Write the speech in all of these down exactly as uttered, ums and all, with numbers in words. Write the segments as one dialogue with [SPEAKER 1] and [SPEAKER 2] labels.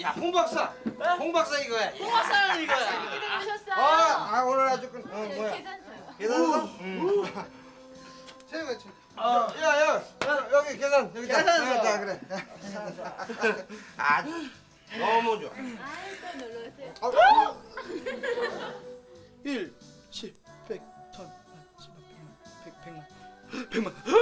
[SPEAKER 1] 야, 홍 박사. 홍 박사 이거야.
[SPEAKER 2] 홍 박사는 이거야.
[SPEAKER 3] 기다려 오셨어요.
[SPEAKER 1] 아, 아 오늘 아주 그 어, 뭐야?
[SPEAKER 3] 계산서요.
[SPEAKER 1] 계산서? 응. 제가 저. 어, 야, 야, 야, 여기 계산 여기
[SPEAKER 2] 계산서.
[SPEAKER 1] 자, 그래. 아, 너무 좋아.
[SPEAKER 3] 아이 또 놀러 오세요.
[SPEAKER 1] 어?
[SPEAKER 2] 일, 십, 백, 천, 만, 십만, 백만, 백, 백만, 백만.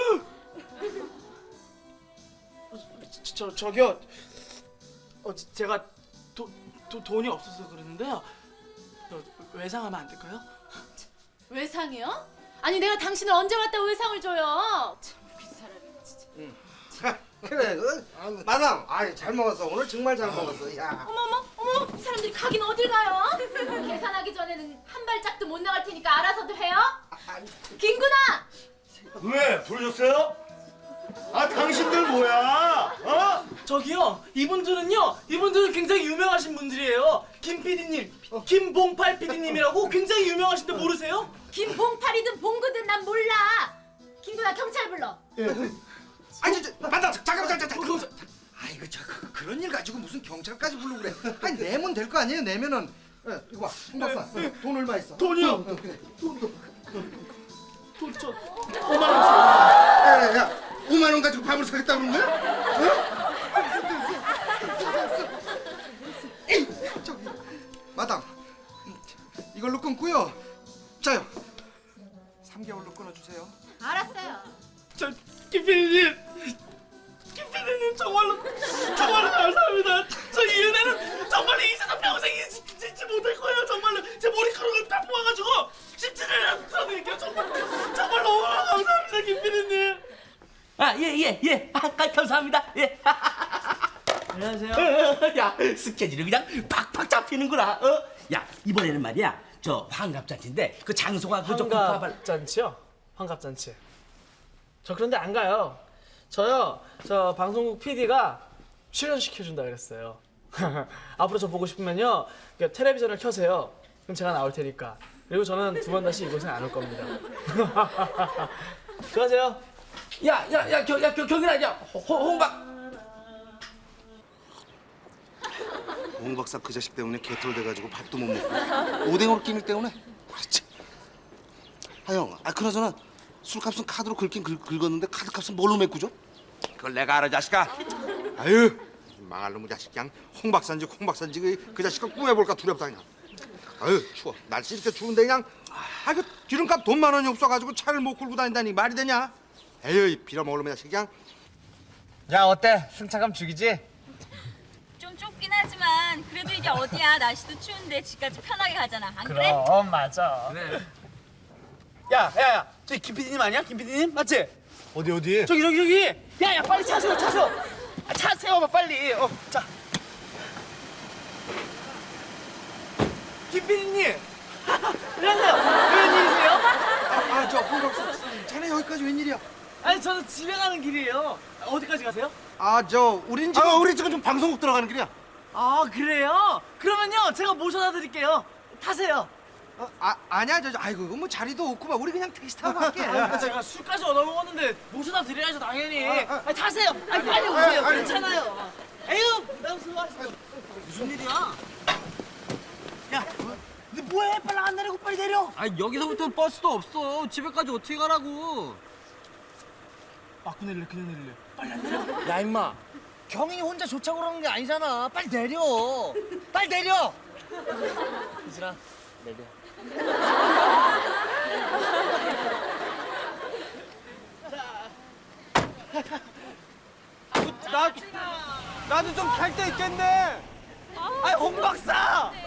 [SPEAKER 2] 어, 저, 저 저기요. 어 지- 제가 도, 도 돈이 없어서 그러는데요. 저, 외상하면 안 될까요?
[SPEAKER 3] 외상이요? 아니 내가 당신을 언제 왔다 외상을 줘요? 참 웃긴 사람이네 진짜.
[SPEAKER 1] 그래, 그, 마담, 아이 잘 먹었어. 오늘 정말 잘 먹었어. 야.
[SPEAKER 3] 어머머, 어머, 이 사람들이 가긴 어딜 가요? 계산하기 전에는 한 발짝도 못 나갈 테니까 알아서도 해요. 김구나.
[SPEAKER 4] 왜 부르셨어요? 아 당신들 뭐야? 어?
[SPEAKER 2] 저기요. 이분들은요. 이분들은 굉장히 유명하신 분들이에요. 김 피디님, 김봉팔 피디님이라고 굉장히 유명하신데 모르세요?
[SPEAKER 3] 김봉팔이든 봉구든 난 몰라. 김구나 경찰 불러.
[SPEAKER 1] 아니, 저, 저, 마담, 잠깐만, 잠깐만, 잠깐만. 아이고, 저 그, 그런 일 가지고 무슨 경찰까지 부르고 그래? 아니 내면 될 거 아니에요? 내면은. 예, 이거 봐, 홍 박사. 어, 돈 얼마 있어?
[SPEAKER 2] 돈이요?
[SPEAKER 1] 어, 어, 그래.
[SPEAKER 2] 돈 저 오만 원 있어요.
[SPEAKER 1] 야, 야, 오만 원 가지고 밥을 사겠다 그런 거야? 어? 에이, 저기, 마담, 이걸로 끊고요. 자요, 삼 개월로 끊어주세요.
[SPEAKER 3] 알았어요.
[SPEAKER 2] 저 김 피디님, 김 피디님 정말로 정말로 감사합니다. 저 이 은혜는 정말로 이 세상 평생 잊지, 잊지 못할 거예요. 정말로 제 머리카락을 다 뽑아가지고 십칠을 드릴게요. 정말 정말 너무 감사합니다, 김 피디님.
[SPEAKER 5] 아, 예, 예, 예. 아, 감사합니다. 예.
[SPEAKER 2] 안녕하세요.
[SPEAKER 5] 야, 스케줄이 그냥 팍팍 잡히는구나. 어? 야, 이번에는 말이야. 저 환갑잔치인데 그 장소가 그저 국화발.
[SPEAKER 2] 환갑잔치요? 환갑잔치. 저 그런데 안 가요. 저요. 저 방송국 피디가 출연시켜준다 그랬어요. 앞으로 저 보고 싶으면요. 그 텔레비전을 켜세요. 그럼 제가 나올 테니까. 그리고 저는 두 번 다시 이곳에 안 올 겁니다. 수고하세요.
[SPEAKER 5] 야, 야, 야, 겨, 야, 겨, 경이라, 야, 홍박.
[SPEAKER 1] 홍 박사 그 자식 때문에 개털돼가지고 밥도 못 먹고 오뎅으로 끼밀 때문에 그렇지. 아 형, 아 그나저나 술값은 카드로 긁긴 긁, 긁었는데 카드값은 뭘로 메꾸죠? 그걸 내가 알아 자식아. 아유 망할 놈의 자식 그냥 홍 박사인지 홍 박사인지 그, 그 자식을 꾸며볼까 두렵다 그냥. 아유 추워 날씨 이렇게 추운데 그냥 아 그 기름값 돈만 원이 없어가지고 차를 못 끌고 다닌다니 말이 되냐? 에이 빌어먹을 놈의 자식 그냥.
[SPEAKER 6] 야 어때? 승차감 죽이지?
[SPEAKER 7] 좀 좁긴 하지만 그래도 이게 어디야. 날씨도 추운데 집까지 편하게 가잖아. 안 그래?
[SPEAKER 6] 그럼 맞아.
[SPEAKER 2] 그래. 야, 야, 야. 저기 김 피디님 아니야? 김 피디님? 맞지?
[SPEAKER 6] 어디 어디?
[SPEAKER 2] 저기, 저기, 저기. 야, 야, 빨리 차 세워, 차 세워. 아, 차 세워봐, 빨리. 어, 자. 김 피디님. 안녕하세요. 웬일이세요?
[SPEAKER 1] 아저 홍 박사 자네 여기까지 웬일이야?
[SPEAKER 2] 아니, 저는 집에 가는 길이에요. 어디까지 가세요?
[SPEAKER 1] 아 저 우린 지금
[SPEAKER 6] 아 우리 지금 좀 방송국 들어가는 길이야.
[SPEAKER 2] 아, 그래요? 그러면요, 제가 모셔다 드릴게요. 타세요.
[SPEAKER 1] 어, 아 아니야 저, 저 아이고 이거 뭐 자리도 없고 막 우리 그냥 택시 타고 갈게.
[SPEAKER 2] 아, 제가 술까지 얻어먹었는데 모셔다 드려야죠, 당연히.
[SPEAKER 1] 아, 아.
[SPEAKER 2] 아니, 타세요. 아니, 빨리 오세요.
[SPEAKER 1] 아, 아니.
[SPEAKER 2] 괜찮아요. 에휴, 나 수고하셨어. 무슨 일이야? 야, 너 뭐해? 빨리 안 내리고 빨리 내려.
[SPEAKER 5] 아, 여기서부터는 버스도 없어. 집에까지 어떻게 가라고?
[SPEAKER 2] 맞고 내릴래, 그냥 내릴래. 빨리 안 내려.
[SPEAKER 6] 야 임마. 경인이 혼자 좋자고 그러는 게 아니잖아. 빨리 내려. 빨리 내려. 이슬아 내려.
[SPEAKER 2] 나, 나도 좀 탈 때 있겠네. 아이, 홍 박사.